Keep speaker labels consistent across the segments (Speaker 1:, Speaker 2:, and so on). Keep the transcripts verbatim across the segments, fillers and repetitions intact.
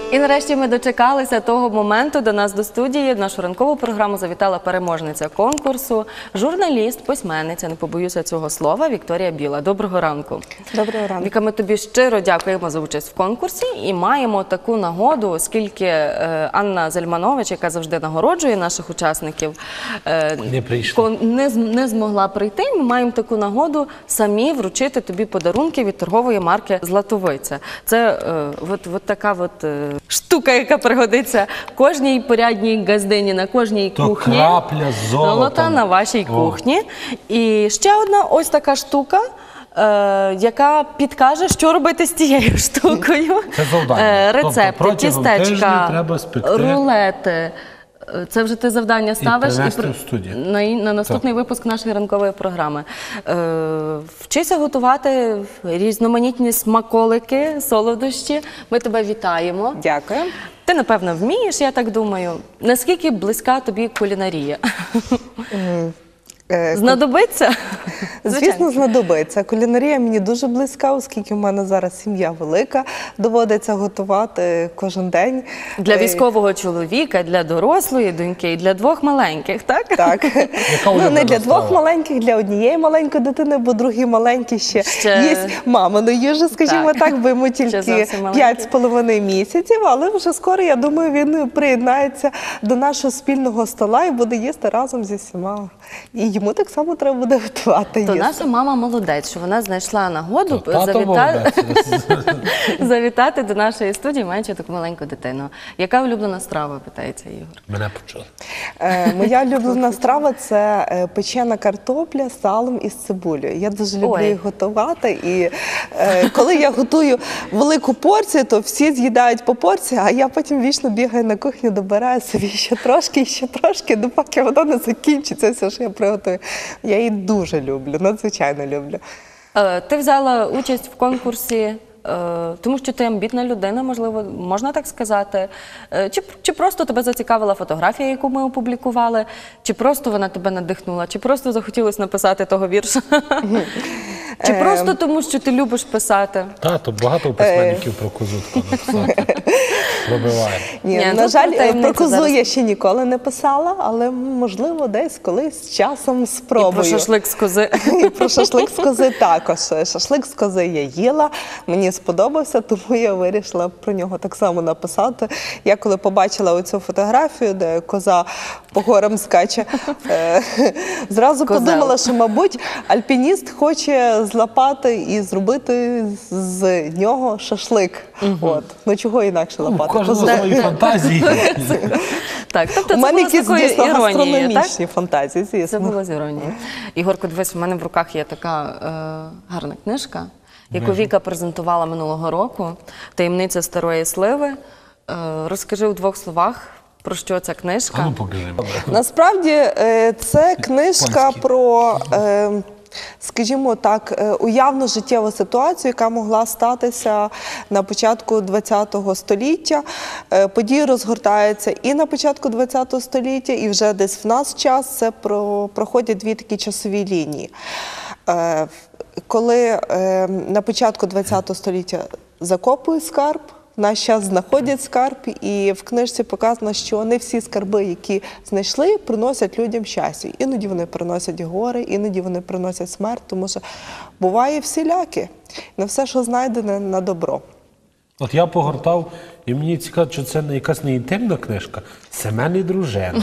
Speaker 1: І нарешті ми дочекалися того моменту. До нас до студії в нашу ранкову програму завітала переможниця конкурсу, журналіст, письменниця, не побоюся цього слова, Вікторія Біла. Доброго ранку.
Speaker 2: Доброго ранку.
Speaker 1: Віка, ми тобі щиро дякуємо за участь в конкурсі і маємо таку нагоду, оскільки е, Анна Зельманович, яка завжди нагороджує наших учасників, е,
Speaker 3: не прийшла.
Speaker 1: Не, не змогла прийти. Ми маємо таку нагоду самі вручити тобі подарунки від торгової марки «Златовиця». Це е, от, от така от, е, штука, яка пригодиться кожній порядній газдині, на кожній
Speaker 3: То
Speaker 1: кухні.
Speaker 3: крапля золота.
Speaker 1: Золота на вашій
Speaker 3: О.
Speaker 1: кухні. І ще одна ось така штука, е, яка підкаже, що робити з тією штукою.
Speaker 3: Це завдання.
Speaker 1: Е,
Speaker 3: Тобто
Speaker 1: рецепти,
Speaker 3: протягом тижня
Speaker 1: тістечка,
Speaker 3: треба спекти.
Speaker 1: рулети. Це вже ти завдання ставиш і,
Speaker 3: принести
Speaker 1: при-
Speaker 3: в студію.
Speaker 1: на, на наступний випуск нашої ранкової програми. Е, вчися готувати різноманітні смаколики, солодощі. Ми тебе вітаємо.
Speaker 2: Дякую.
Speaker 1: Ти, напевно, вмієш, я так думаю. Наскільки близька тобі кулінарія?
Speaker 2: Е,
Speaker 1: Знадобиться?
Speaker 2: Звісно, знадобиться. Кулінарія мені дуже близька, оскільки в мене зараз сім'я велика, доводиться готувати кожен день.
Speaker 1: Для
Speaker 2: Е,
Speaker 1: військового чоловіка, для дорослої доньки і для двох маленьких, так?
Speaker 2: Так.
Speaker 3: Яка
Speaker 2: Ну, не
Speaker 3: улюблена
Speaker 2: для двох
Speaker 3: страва?
Speaker 2: маленьких, для однієї маленької дитини, бо другі маленькі ще,
Speaker 1: Ще-
Speaker 2: їсть мамину їжу, скажімо
Speaker 1: Так.
Speaker 2: так, бо йому
Speaker 1: Ще
Speaker 2: тільки
Speaker 1: зовсім маленький.
Speaker 2: п'ять з половиною місяців, але вже скоро, я думаю, він приєднається до нашого спільного стола і буде їсти разом зі всіма. І йому так само треба буде готувати
Speaker 1: То
Speaker 2: їсти.
Speaker 1: наша мама молодець, що вона знайшла нагоду
Speaker 3: То тато
Speaker 1: завіта...
Speaker 3: молодець.
Speaker 1: завітати до нашої студії, маючи таку маленьку дитину. Яка улюблена страва, питається Ігор?
Speaker 3: Мене почули.
Speaker 2: Е, Моя улюблена страва – це е, печена картопля з салом і з цибулею. Я дуже люблю
Speaker 1: Ой.
Speaker 2: їх готувати. І е, коли я готую велику порцію, то всі з'їдають по порції, а я потім вічно бігаю на кухню, добираю собі ще трошки, і ще трошки, допоки воно не закінчиться, все, що я приготую. Я її дуже люблю, надзвичайно люблю.
Speaker 1: Е, Ти взяла участь в конкурсі, е, тому що ти амбітна людина, можливо, можна так сказати. Е, Чи, чи просто тебе зацікавила фотографія, яку ми опублікували, чи просто вона тебе надихнула, чи просто захотілося написати того вірша? Чи просто тому, що ти любиш писати?
Speaker 3: Тато, багато письменників про козу тако написати. Пробиває.
Speaker 2: Ні,
Speaker 1: Ні,
Speaker 2: на
Speaker 1: тут
Speaker 2: жаль,
Speaker 1: таємниця
Speaker 2: про козу
Speaker 1: зараз.
Speaker 2: я ще ніколи не писала, але, можливо, десь колись з часом
Speaker 1: І
Speaker 2: спробую.
Speaker 1: про шашлик з кози.
Speaker 2: І про шашлик з кози також. Шашлик з кози я їла, мені сподобався, тому я вирішила про нього так само написати. Я коли побачила оцю фотографію, де коза по горам скаче, е, зразу
Speaker 1: Козел.
Speaker 2: подумала, що, мабуть, альпініст хоче злапати і зробити з нього шашлик. От. Ну чого інакше
Speaker 3: У
Speaker 2: лапати?
Speaker 3: кожного
Speaker 2: Козу.
Speaker 3: свої фантазії.
Speaker 1: Так, тобто
Speaker 2: У
Speaker 1: це
Speaker 2: мене
Speaker 1: було з
Speaker 2: якісь,
Speaker 1: такою
Speaker 2: звісно,
Speaker 1: іронією, так?
Speaker 2: гастрономічні фантазії,
Speaker 1: Це
Speaker 2: звісно.
Speaker 1: було з іронією. Ігорко, дивись, у мене в руках є така е, гарна книжка, яку Віка презентувала минулого року. «Таємниця старої сливи». Е, розкажи у двох словах, про що ця книжка.
Speaker 3: А ну покажи.
Speaker 2: Насправді е, це книжка
Speaker 3: Польський.
Speaker 2: про, е, скажімо так, е, уявну життєву ситуацію, яка могла статися на початку ХХ століття. Е, Події розгортаються і на початку ХХ століття, і вже десь в нас час це про, проходять дві такі часові лінії. Е, Коли е, на початку ХХ століття закопують скарб, в наш час знаходять скарб, і в книжці показано, що не всі скарби, які знайшли, приносять людям щастя. Іноді вони приносять горе, іноді вони приносять смерть, тому що буває всіляке. Не все, що знайдене, на добро.
Speaker 3: От я погортав, і мені цікаво, що це не якась не інтимна книжка. Семен і дружина.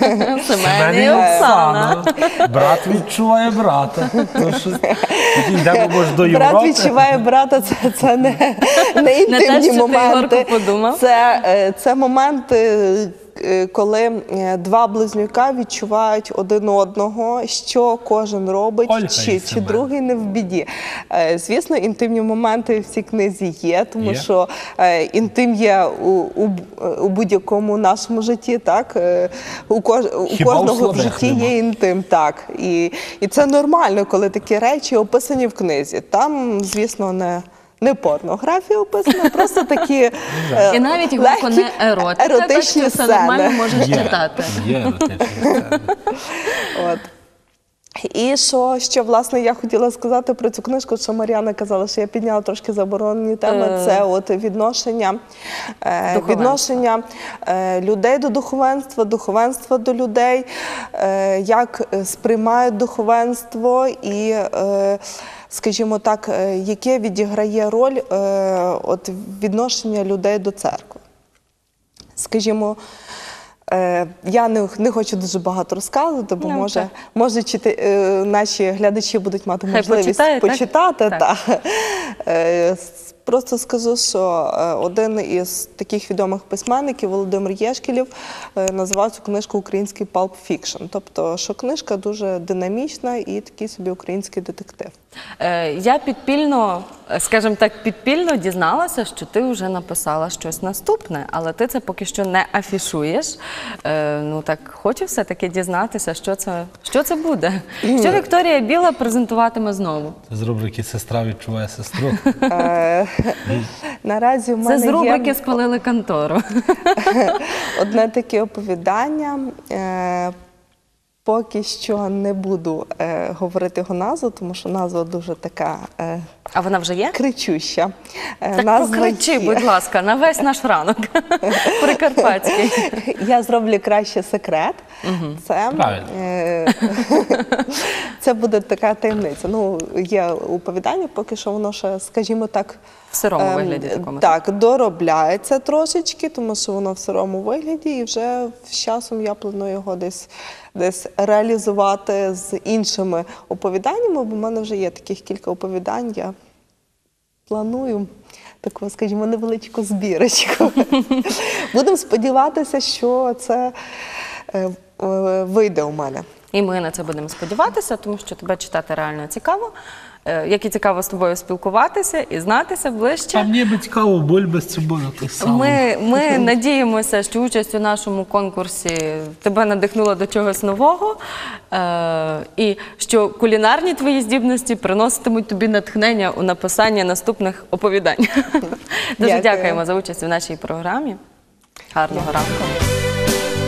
Speaker 1: Семен і Оксана.
Speaker 3: Брат відчуває брата. То щось- Тоді йдемо, може, до Європи.
Speaker 2: Брат відчуває брата, це, це не, не
Speaker 1: Не те,
Speaker 2: інтимні
Speaker 1: що ти,
Speaker 2: моменти.
Speaker 1: Ігорку, подумав.
Speaker 2: Це, е, це моменти, е, коли е, два близнюка відчувають один одного, що кожен робить,
Speaker 3: Ольга і
Speaker 2: чи, чи
Speaker 3: Семен.
Speaker 2: другий не в біді. Е, Звісно, інтимні моменти в цій книзі є, тому
Speaker 3: Є?
Speaker 2: що е, інтим є у, у, у будь-якому нашому житті, так? Е, У, кож, у
Speaker 3: Хіба у
Speaker 2: кожного в
Speaker 3: слабих
Speaker 2: житті
Speaker 3: нема?
Speaker 2: є інтим, так. І, і це нормально, коли такі речі описані в книзі. Там, звісно, не, не порнографія описана, просто такі е,
Speaker 1: І навіть Ігорко
Speaker 2: легкі
Speaker 1: не еротика, так
Speaker 2: еротичні
Speaker 1: що все нормально
Speaker 2: сцени.
Speaker 1: можеш
Speaker 3: Є,
Speaker 1: читати.
Speaker 3: є еротичні сцени.
Speaker 2: От. І що, що, власне, я хотіла сказати про цю книжку, що Мар'яна казала, що я підняла трошки заборонені теми,
Speaker 1: Е.
Speaker 2: це от відношення, е,
Speaker 1: Духовенства.
Speaker 2: відношення е, людей до духовенства, духовенства до людей, е, як е, сприймають духовенство і, е, скажімо так, е, яке відіграє роль е, от відношення людей до церкви. Скажімо, Е, я не, не хочу дуже багато розказувати, бо
Speaker 1: Ну,
Speaker 2: може,
Speaker 1: так.
Speaker 2: може чити, е, наші глядачі будуть мати
Speaker 1: Хай
Speaker 2: можливість
Speaker 1: почитають, так?
Speaker 2: почитати.
Speaker 1: Так.
Speaker 2: Та. Е, с- просто скажу, що е, один із таких відомих письменників, Володимир Єшкелєв, е, називав цю книжку «Український pulp fiction». Тобто, що книжка дуже динамічна і такий собі український детектив.
Speaker 1: Е, Я підпільно, е, скажімо так, підпільно дізналася, що ти вже написала щось наступне, але ти це поки що не афішуєш. Е, Ну так, хочу все-таки дізнатися, що це, що це буде. Що Вікторія Біла презентуватиме знову?
Speaker 3: З рубрики «Сестра відчуває сестру».
Speaker 2: Е, Наразі в
Speaker 1: Це
Speaker 2: мене
Speaker 1: з рубрики
Speaker 2: є
Speaker 1: «Спалили контору».
Speaker 2: одне таке оповідання. Е, Поки що не буду е, говорити його назву, тому що назва дуже така е,
Speaker 1: А вона вже є?
Speaker 2: кричуща. Е,
Speaker 1: Так
Speaker 2: назва
Speaker 1: покричи,
Speaker 2: є.
Speaker 1: будь ласка, на весь наш ранок. Прикарпатський.
Speaker 2: Я зроблю краще секрет. Це,
Speaker 3: Правильно.
Speaker 2: е, це буде така таємниця. Ну, є оповідання, поки що воно ще, скажімо так,
Speaker 1: В сирому
Speaker 2: ем,
Speaker 1: вигляді такому.
Speaker 2: Так, доробляється трошечки, тому що воно в сирому вигляді, і вже з часом я планую його десь, десь реалізувати з іншими оповіданнями, бо в мене вже є таких кілька оповідань. Я планую таку, скажімо, невеличку збірочку. Будемо сподіватися, що це е, е, вийде у мене.
Speaker 1: І ми на це будемо сподіватися, тому що тебе читати реально цікаво. Е, Як і цікаво з тобою спілкуватися і знатися
Speaker 3: А
Speaker 1: ближче.
Speaker 3: мені би цікаво, боль без цибуля той самий.
Speaker 1: Ми, ми надіємося, що участь у нашому конкурсі тебе надихнула до чогось нового, е, і що кулінарні твої здібності приноситимуть тобі натхнення у написанні наступних оповідань. Дуже
Speaker 2: Дякую.
Speaker 1: дякуємо за участь у нашій програмі. Гарного ранку.